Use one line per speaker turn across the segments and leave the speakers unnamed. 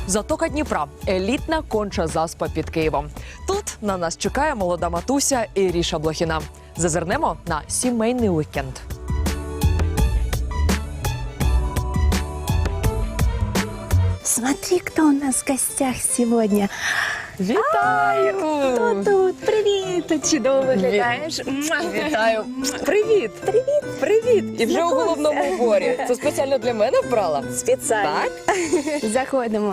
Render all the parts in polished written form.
Затока Дніпра – елітна конча заспа під Києвом. Тут на нас чекає молода матуся Іріша Блохіна. Зазирнемо на сімейний уікенд.
Смотри, кто у нас в гостях сегодня.
Вітаю!
Кто тут? Привіт! Ти чудово виглядаєш.
Вітаю! Привіт!
Привіт!
Привіт! І вже у
Знакомься.
головному уборі. Це спеціально для мене вбрала?
Спеціально.
Так?
Заходимо.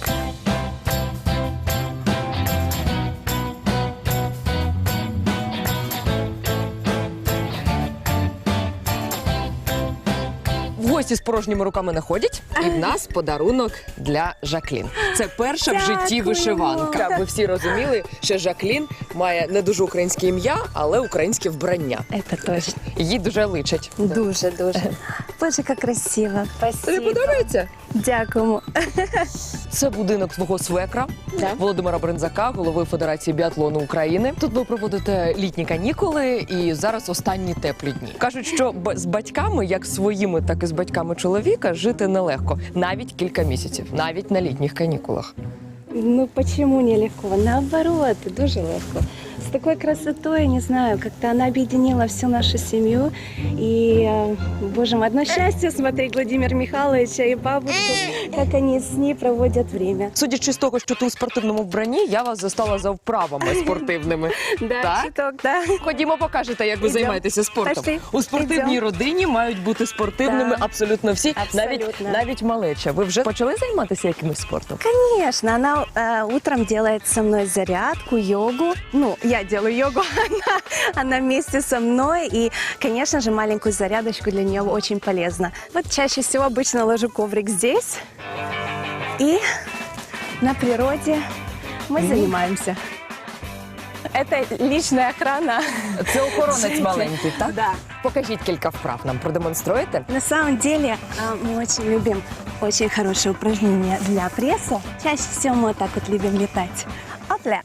В гості з порожніми руками не ходять. І в нас подарунок для Жаклін. Це перша в житті
Дякуємо.
вишиванка. Аби всі розуміли, що Жаклін має не дуже українське ім'я, але українське вбрання.
Это точно.
Їй дуже личить.
Дуже. Боже, як красиво.
Тобі
Спасибо.
подобається?
Дякуємо.
Це будинок свого свекра,
Да.
Володимира Бринзака, голови Федерації біатлону України. Тут ви проводите літні канікули і зараз останні теплі дні. Кажуть, що з батьками, як своїми, так і з батьками чоловіка, жити нелегко. Навіть кілька місяців, навіть на літніх канікулах.
Ну, почему нелегко? Наоборот, дуже легко. С такой красотой, не знаю, как-то она объединила всю нашу семью. И, боже мой, одно счастье смотреть Владимира Михайловича и бабушку, как они с ней проводят время.
Судячи з того, що ти у спортивному вбранні, я вас застала за вправами спортивними.
Да,
Так?
чуток, да.
Ходімо, покажете, як ви
Ідем.
займаєтеся спортом.
Пошли.
У спортивній
Ідем.
родині мають бути спортивними
Да.
абсолютно всі,
Абсолютно.
навіть малеча. Ви вже почали займатися якимось спортом?
Конечно, она утром делает со мной зарядку, йогу. Ну, я делаю йогу, она вместе со мной. И, конечно же, маленькую зарядочку для нее очень полезно. Вот чаще всего обычно ложу коврик здесь. И на природе мы занимаемся. Это личная охрана.
Це охоронець маленький, так?
Да.
Покажіть кілька вправ нам, продемонструєте?
На самом деле мы очень любим очень хорошее упражнение для пресса. Чаще всего мы вот так вот любим летать. Опля.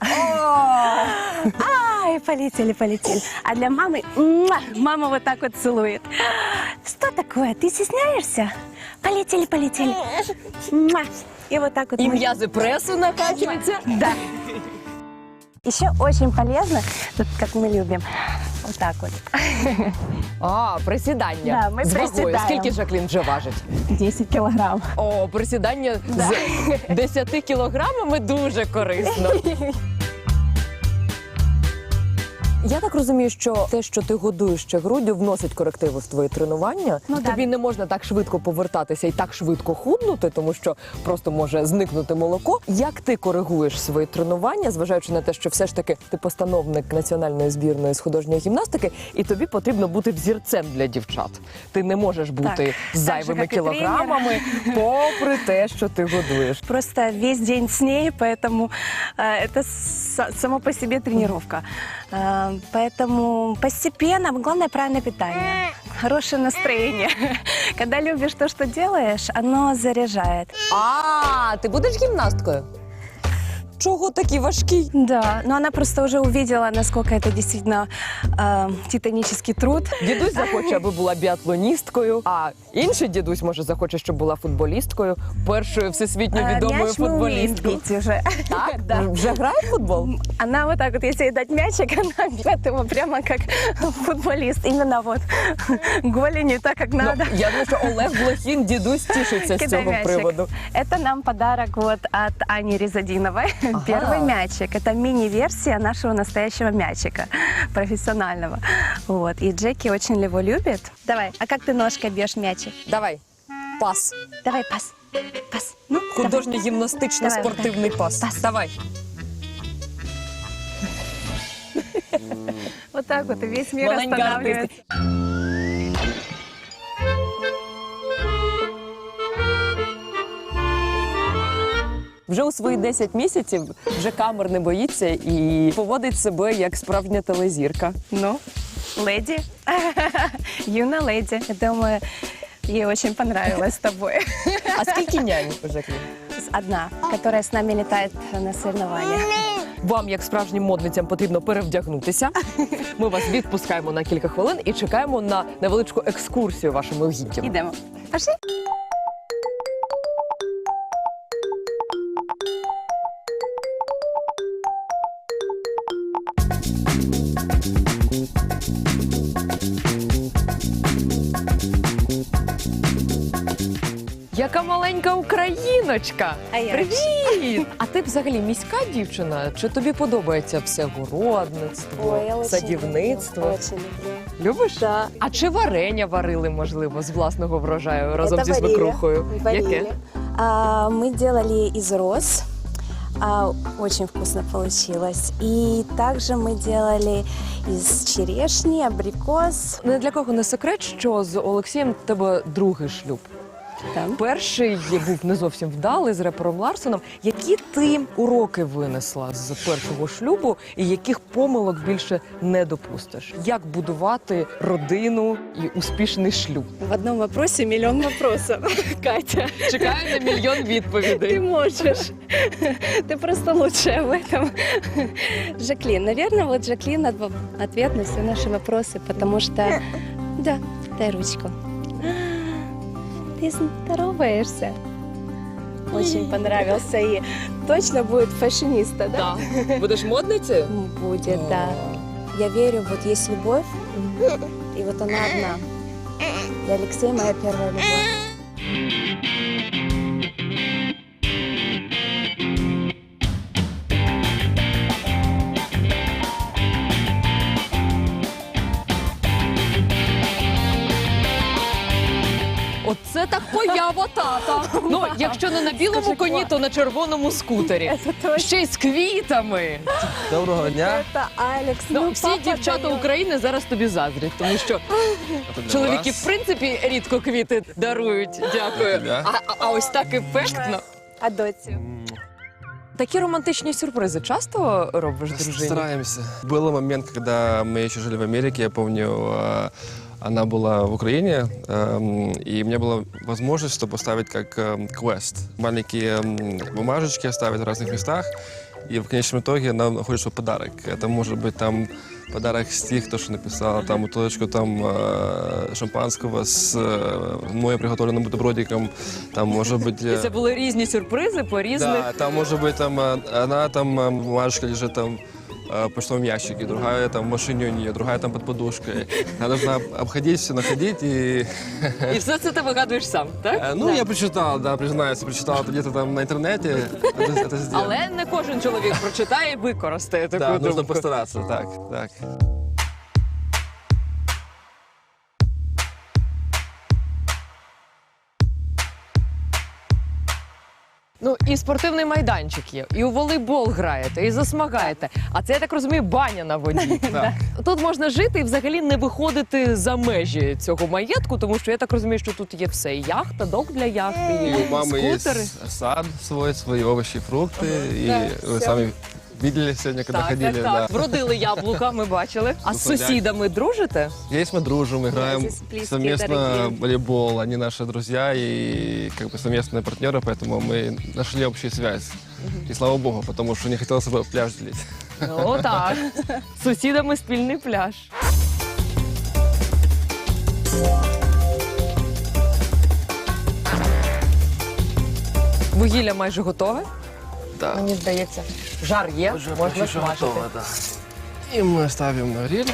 Ай, полетели. А для мамы, мама вот так вот целует. Что такое? Ты стесняешься? Полетели. И вот так вот.
І
мы-
м'язи пресу накачуються.
Да. Еще очень полезно, тут как мы любим, вот так вот.
А, присідання.
Да, ми
з вагою.
присідаємо.
Скільки Жаклін вже важить?
10 килограмм.
О, присідання з 10 кілограмами дуже корисно. Я так розумію, що те, що ти годуєш ще груддю, вносить корективи в твої тренування.
Ну,
Тобі не можна так швидко повертатися і так швидко худнути, тому що просто може зникнути молоко. Як ти коригуєш свої тренування, зважаючи на те, що все ж таки ти постановник національної збірної з художньої гімнастики, і тобі потрібно бути взірцем для дівчат. Ти не можеш бути
Так,
з зайвими
так же, як і
кілограмами, попри те, що ти годуєш.
Просто весь день с ней, поэтому это само по себе тренировка. Поэтому постепенно, главное правильное питание, хорошее настроение. Когда любишь то, что делаешь, оно заряжает.
А, ти будеш гімнасткою? Чого такий важкий?
Да, но она просто уже увидела, насколько это действительно титанический труд.
Дідусь захоче, аби була біатлоністкою, а інший дідусь, може, захоче, щоб була футболісткою, першою всесвітньо відомою
Мяч мы умеем
футболісткою.
бить уже.
Так?
Да.
Вже грає в футбол?
Она вот так вот, если ей дать мячик, она бьет его прямо как футболист. Именно вот голенью, так как надо.
Ну, я думаю, що Олег Блохін, дідусь, тішиться з
Кидай
цього
мячик.
приводу.
Это нам подарок вот от Ани Резадиновой.
Ага.
Первый мячик. Это мини-версия нашего настоящего мячика, профессионального. Вот. И Джеки очень его любит. Давай, а как ты ножкой бьешь мячик?
Давай, пас.
Давай, пас. Пас. Ну, давай.
Художньо-гімнастично-спортивний пас.
Пас.
Давай.
Вот так вот, и весь мир
Маленька
останавливается.
Вже у свої 10 місяців вже камер не боїться і поводить себе як справжня телезірка.
Ну, леди. Юна леди. Я думаю, ей очень понравилось с тобой.
А скільки нянь у Жаклін?
Одна, которая с нами летает на соревнования.
Вам, як справжнім модницям, потрібно перевдягнутися. Ми вас відпускаємо на кілька хвилин і чекаємо на невеличку екскурсію вашими угіддями.
Идем. Пошли.
Яка маленька україночка!
А я
Привіт! А ти взагалі міська дівчина? Чи тобі подобається все городництво,
Ой, я очень
садівництво?
люблю, очень люблю.
Любиш?
Да.
А чи варення варили, можливо, з власного врожаю разом
Это
зі
варили,
свекрухою?
варили.
Яке?
Мы делали из роз. Очень вкусно получилось. И также мы делали из черешни, абрикос.
Не для кого не секрет, що з Олексієм в тебе другий шлюб.
Там.
Перший був не зовсім вдалий з репером Ларсоном. Які ти уроки винесла з першого шлюбу і яких помилок більше не допустиш? Як будувати родину і успішний шлюб?
В одном вопросе миллион вопросов, Катя.
Чекаю на мільйон
Ты
відповідей.
можешь. Ты просто лучшая в этом. Жаклин. Наверное, вот Жаклин ответ на все наши вопросы, потому что... Да, дай ручку. Ты здороваешься. Очень понравился. И точно будет фashionista, да?
Так. Будеш модницею?
Будет, да. Я верю, вот есть любовь, и вот она одна. И Алексей моя первая любовь.
Оце так поява тата. Ну, якщо не на білому
Скажи,
коні,
Клара.
то на червоному скутері.
Это точно.
Ще й з квітами.
Доброго дня.
Это Алекс.
Ну, всі
папа
дівчата
даёт.
України зараз тобі заздрять, тому що
Це для
чоловіки,
вас.
в принципі, рідко квіти дарують. Дякую.
Для тебе.
А ось так ефектно.
А доці?
Такі романтичні сюрпризи часто робиш дружині?
Стараемся. Был момент, когда мы еще жили в Америке, я помню, она была в Украине, и у меня была возможность, что поставить как квест. Маленькие бумажечки оставить в разных местах, и в конечном итоге она находит, что подарок. Это может быть там подарок стих, то, что написала, там бутылочку там шампанского с мною приготовленным бутербродиком, там может быть...
І це були різні сюрпризи по різних.
Да, там может быть там она там бумажка лежит там в почтовом ящике, другая там в машине у нее, другая там под подушкой. Она должна обходить все, находить и...
І все це ти вигадуєш сам, так?
Ну, я прочитал, да, признаюсь, прочитал это где-то там на интернете, это сделал.
Але не кожен чоловік прочитає і використає таку
Да, нужно
думку.
постараться, так, так.
Ну, і спортивний майданчик є, і у волейбол граєте, і засмагаєте. А це, я так розумію, баня на воді.
Так.
Тут можна жити і взагалі не виходити за межі цього маєтку, тому що я так розумію, що тут є все. І яхта, док для яхти,
И
і
у мамы
скутери.
есть сад свой, свои овощи, фрукты, и
Да,
вы
всё.
сами видели сегодня, когда ходили, да.
Вродили яблука, ми бачили. А з
Ну,
сусідами дружите?
Здесь мы дружим, играем
здесь близкие,
совместно
дорогие.
в волейбол. Они наши друзья и как бы совместные партнеры, поэтому мы нашли общую связь. И слава богу, потому что не хотелось бы пляж делить.
Ну так. З сусідами спільний пляж. Вугілля майже готове.
Да.
Мені здається, жар є, можна смажити.
да. И мы ставим на гриль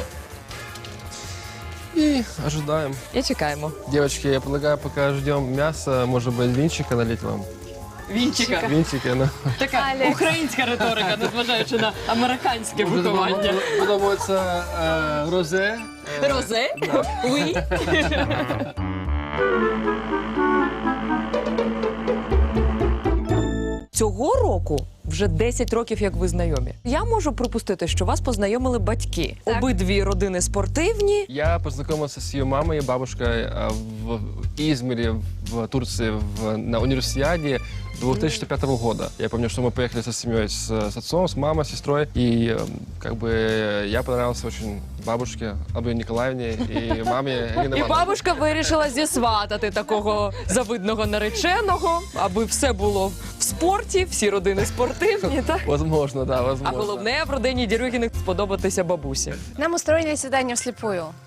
и ожидаем.
І чекаємо.
Девочки, я предлагаю, пока ждем мяса, может быть, винчика налить вам?
Вінчика.
Винчики, ну.
Така українська риторика, незважаючи на американське виховання.
Подобається розе.
Розе? Уй. Цього року вже 10 років, як ви знайомі. Я можу припустити, що вас познайомили батьки.
Так.
Обидві родини спортивні.
Я познакомился с ее мамой и бабушкой в Измире, в Турции, на универсиаде 2005 года. Я помню, что мы поехали со семьей, с отцом, с мамой, с сестрой. И как бы я понравился очень бабушке Албине Николаевне и маме Елене
І
Ивановне.
бабушка вирішила зісватати такого завидного нареченого, аби все було в спорті, всі родини спортивні. Так?
Возможно, да,
А
возможно.
головне в родині Дерюгіних сподобатися бабусі.
Нам устроили свидание вслепую.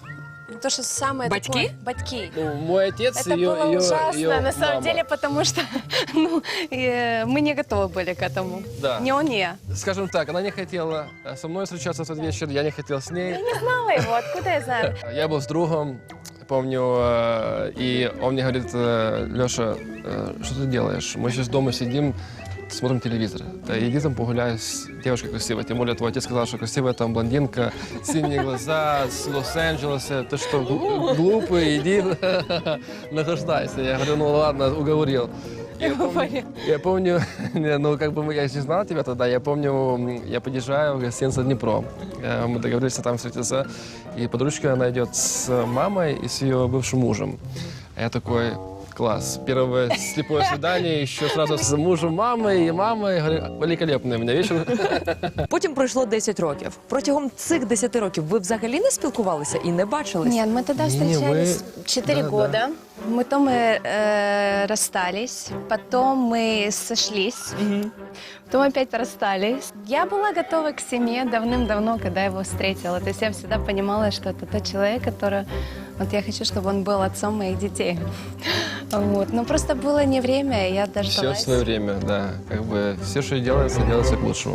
То, что самое
Батьки?
такое... Батьки.
Ну, мой отец
Это было ужасно, на самом
мама.
деле, потому что ну, мы не готовы были к этому.
Да.
Не он, не.
Скажем так, она не хотела со мной встречаться в тот вечер, я не хотел с ней.
Не знала его, откуда я знаю?
Я был с другом, помню, и он мне говорит: Леша, что ты делаешь? Мы сейчас дома сидим, смотрим телевизор. Да иди там погуляй с девушкой красивой. Тем более твой отец сказал, что красивая там блондинка, синие глаза, с Лос-Анджелеса. Ты что, глупый, иди наслаждайся. Я говорю, ну ладно, уговорил. Я помню, ну как бы я не знал тебя тогда, я помню, я подъезжаю в гостиницу «Днепро». Мы договорились там встретиться, и подружка, она идет с мамой и с ее бывшим мужем. А я такой: класс. Первое слепое свидание, еще сразу с мужем, мамой. Я говорю, великолепний у мене вечір.
Потім пройшло 10 років. Протягом цих 10 років ви взагалі не спілкувалися і не бачились?
Нет, мы тогда
Не,
встречались
мы-
4
да,
года. Потом мы расстались, потом мы сошлись, потом опять расстались. Я была готова к семье давным-давно, когда его встретила. То есть я всегда понимала, что это тот человек, который... Вот я хочу, чтобы он был отцом моих детей. Вот. Но просто было не время, и я
Все в
дождалась.
свое время, да. Как бы все, что делается к лучшему.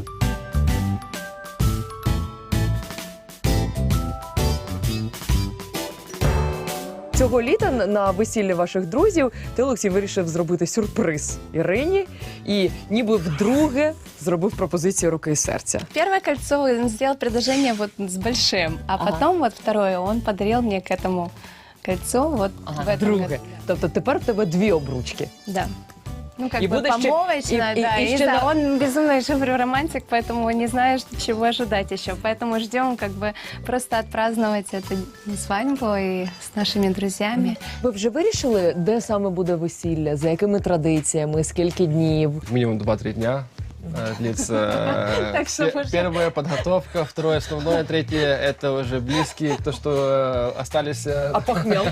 Цього літа на весіллі ваших друзів ти, Олексій, вирішив зробити сюрприз Ірині і ніби вдруге зробив пропозицію руки і серця.
Первое кольцо он сделал предложение вот с большим, а
Ага.
потом вот второе он подарил мне к этому кольцо вот в этом
Друге.
году.
Тобто тепер в тебе 2 обручки.
Да. Ну, как
И
бы
будешь
помолвочно,
и-
да.
и
И
еще
да,
на-
он безумно, я же говорю, романтик, поэтому не знаю, чего ожидать еще. Поэтому ждем как бы просто отпраздновать эту свадьбу и с нашими друзьями.
Ви вже вирішили, де саме буде весілля, за якими традиціями, скільки днів?
Минимум 2-3 дня длится.
Так что уже-
Первая подготовка, второе основное, третье это уже близкие, то, что остались.
Похмел.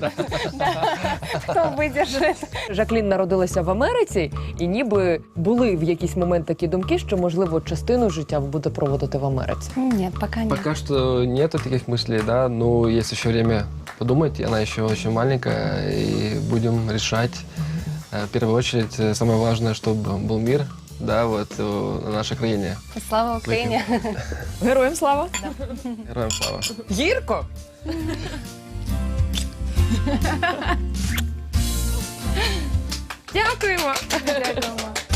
Кто выдержит?
Жаклін народилася в Америці, і ніби були в якийсь момент такі думки, що, можливо, частину життя буде проводити в Америці.
Нет, пока нет.
Пока что нету таких мыслей, да, но есть еще время подумать, она еще очень маленькая, и будем решать. В первую очередь, самое важное, чтобы был мир, да, вот на нашей краине.
Слава Украине.
Героям слава!
Героям слава.
Гірко! Дякуємо!
Дякуємо.